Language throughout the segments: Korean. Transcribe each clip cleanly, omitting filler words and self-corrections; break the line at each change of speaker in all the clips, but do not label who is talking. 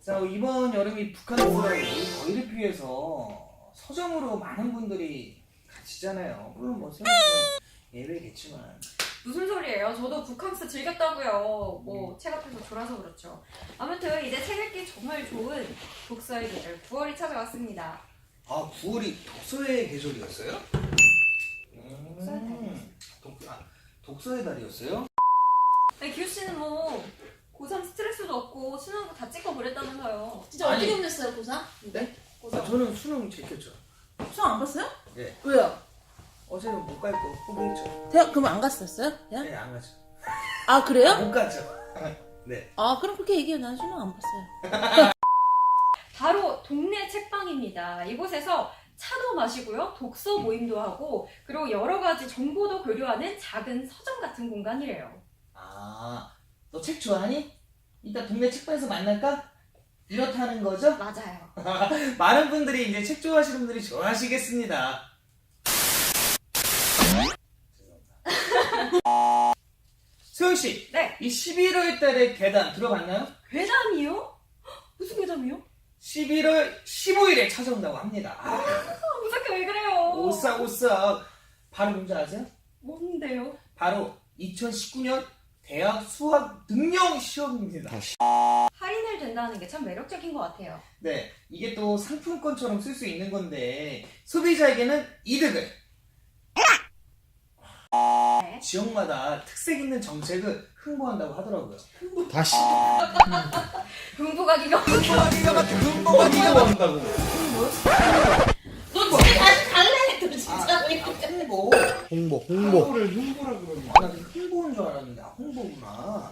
자, 이번 여름이 북한으로 더위를 피해서 서점으로 많은 분들이 가시잖아요. 물론 뭐 세월은 예외겠지만.
무슨 소리예요? 저도 북캉스 즐겼다고요. 뭐 책 앞에서 졸아서 그렇죠. 아무튼 이제 책 읽기 정말 좋은 독서의 계절 9월이 찾아왔습니다.
아, 9월이 독서의 계절이었어요? 독서의 달이었어요?
아니 기우 씨는 뭐 고3 스트레스도 없고 수능도 다 찍고 그랬다면서요.
진짜
아니.
어떻게 보냈어요, 고3?
네?
고3.
저는 수능 지켰죠.
수능 안 봤어요?
네.
왜요?
어제는 못 갈 거 포기했죠.
대학 그럼 안 갔었어요? 대학?
네, 안 가죠.
아 그래요?
못 가죠. 네.
아 그럼 그렇게 얘기해요. 난 수능 안 봤어요.
바로 동네 책방입니다. 이곳에서 차도 마시고요. 독서 모임도 하고 그리고 여러 가지 정보도 교류하는 작은 서점 같은 공간이래요.
아, 너 책 좋아하니? 이따 동네 책방에서 만날까? 이렇다는 거죠?
맞아요.
많은 분들이 이제 책 좋아하시는 분들이 좋아하시겠습니다. 소영씨,
네.
이 11월 달에 괴담 들어봤나요?
괴담이요? 무슨 괴담이요?
11월 15일에 찾아온다고 합니다. 아,
무섭게 왜 그래요?
오싹오싹. 바로 뭔지 아세요?
뭔데요?
바로 2019년 대학 수학 능력 시험입니다.
할인을 된다는 게 참 매력적인 것 같아요.
네, 이게 또 상품권처럼 쓸 수 있는 건데 소비자에게는 이득을.
네.
지역마다 특색 있는 정책을 홍보한다고 하더라고요.
다시
흥부가 기가
홍보한다고.
너 집에 다시 갈래? 너 진짜.
홍보.
홍보
홍보를 홍보라 그러니. 나 홍보인 줄 알았는데 홍보구나.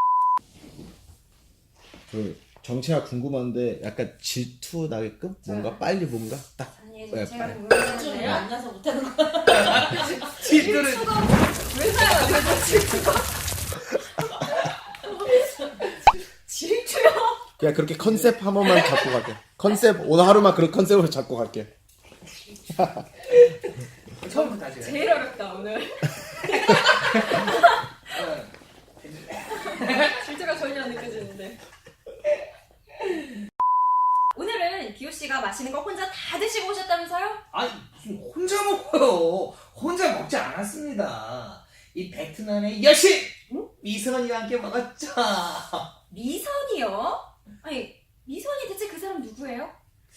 그 정체가 궁금한데 약간 질투 나게끔 뭔가 빨리 뭔가 딱
아니
네,
제가
좀
궁금했는데요.
앉아서 못하는 거야.
질투를.
질투가 왜 사요? 제가 질투가 질투요?
그냥 그렇게 컨셉 한 번만 잡고 갈게. 컨셉 오늘 하루만 그런 컨셉으로 잡고 갈게.
처음부터 다시.
제일 어렵다 오늘. 질투가 전혀 안 느껴지는데. 오늘은 기호 씨가 맛있는 거 혼자 다 드시고 오셨다면서요?
아니 무슨 혼자 먹어요. 혼자 먹지 않았습니다. 이 베트남의 여신 미선이와 함께 먹었죠.
미선이요? 아니 미선이 대체 그 사람 누구예요?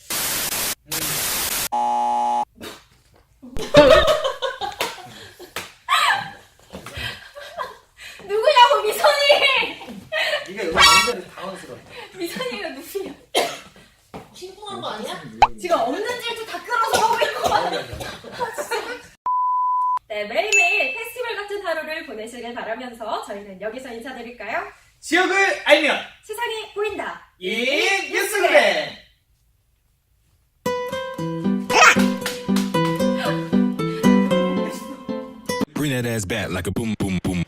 누구냐고 미선이!
네가 여기 남자를 당황스럽다.
미선이가 누구냐?
신고한 거 아니야?
지금 없는 질투 다 끌어서 하고 있는 거 같아. 네, 매일매일 페스티벌 같은 하루를 보내시길 바라면서 저희는 여기서 인사드릴까요?
지역을 알면
세상이 보인다.
이 뉴스그램.
Bring that ass back like a boom, boom, boom.